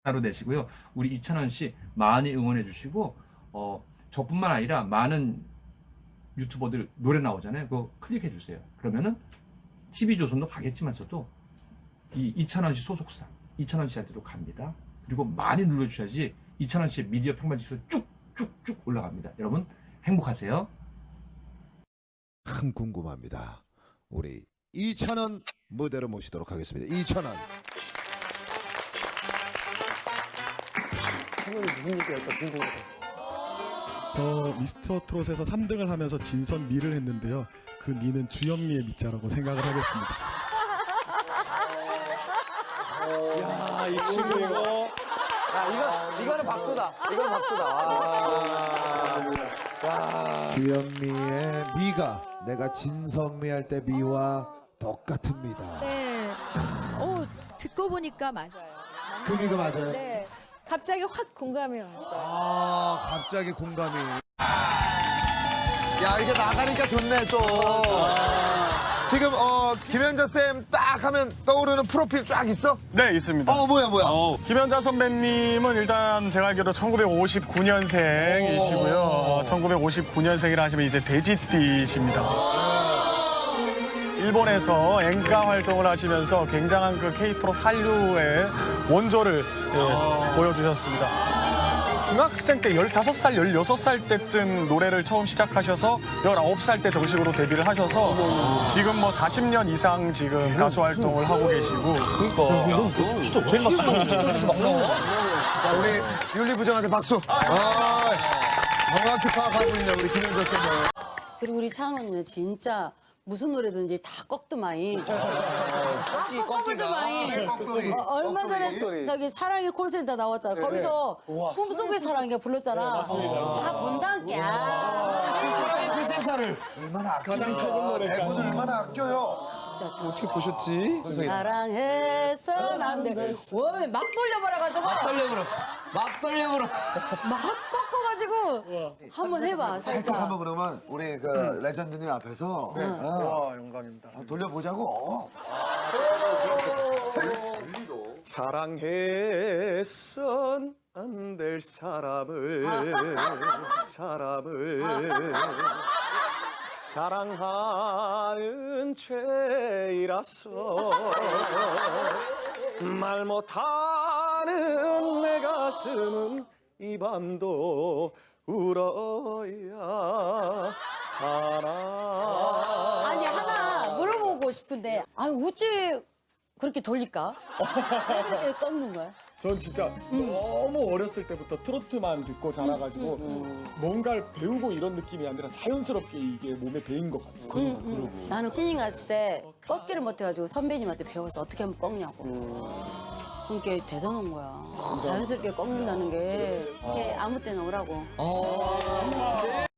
로 내시고요. 우리 이찬원 씨 많이 응원해 주시고 저뿐만 아니라 많은 유튜버들 노래 나오잖아요. 그거 클릭해 주세요. 그러면은 TV조선도 가겠지만서도 이 이찬원 씨 소속사 이찬원 씨한테도 갑니다. 그리고 많이 눌러주셔야지 이찬원 씨의 미디어 평판 지수 쭉쭉쭉 올라갑니다. 여러분 행복하세요. 참 궁금합니다. 우리 이찬원 무대로 모시도록 하겠습니다. 이찬원. 형님이 무슨 얘기할까 궁금하다. 저 미스터 트롯에서 3등을 하면서 진선 미를 했는데요. 그 미는 주현미의 미자라고 생각을 하겠습니다. 야, 이 친구 이거. 이거는 박수다. 이건 박수다. 주현미의 미가 내가 진선미 할 때 미와 똑같습니다. 네. 듣고 보니까 맞아요. 그 미가 맞아요? 네. 갑자기 확 공감이 왔어요. 아, 갑자기 공감이. 야, 이게 나가니까 좋네, 또. 지금, 김현자 쌤 딱 하면 떠오르는 프로필 쫙 있어? 네, 있습니다. 뭐야. 김현자 선배님은 일단 제가 알기로 1959년생이시고요. 1959년생이라 하시면 이제 돼지띠십니다. 일본에서 엔카 활동을 하시면서 굉장한 그 K트롯 한류의 원조를 보여주셨습니다. 중학생 때 15살, 16살 때쯤 노래를 처음 시작하셔서 19살 때 정식으로 데뷔를 하셔서 지금 뭐 40년 이상 지금 가수 활동을 하고 계시고. 진짜 제일 막 자, 우리 윤리부장한테 박수. 정확히 파악하고 있네, 우리 김현자 쌤. 그리고 우리 차은원이는 진짜 무슨 노래든지 다 꺾드마이. 다 꺾어불드마이. 얼마 전에 저기 사랑의 콜센터 나왔잖아. 거기서 꿈속의 사랑이가 불렀잖아. 다 본다니까. 얼마나 아끼니까. 대본 얼마나 아껴요. 어떻게 보셨지? 사랑해선 안 돼. 왜 막 돌려버려가지고. 막 돌려버려. 막 꺾어가지고. 한번 해봐. 살짝 한번 그러면 우리 그 레전드님 앞에서 영광입니다. 돌려보자고. 사랑해선 안 될 사람을 사랑하는 죄이라서 말 못하는 내 가슴은 이 밤도 울어야 하나. 아니 하나 물어보고 싶은데 어찌 그렇게 돌릴까? 왜 그렇게 꺾는 거야? 전 진짜 너무 어렸을 때부터 트로트만 듣고 자라가지고 뭔가를 배우고 이런 느낌이 아니라 자연스럽게 이게 몸에 배인 것 같아요. 나는 신인 갔을 때 꺾기를 못해가지고 선배님한테 배워서 어떻게 하면 꺾냐고. 그게 대단한 거야. 자연스럽게 꺾는다는 게 이게 아무 때나 오라고.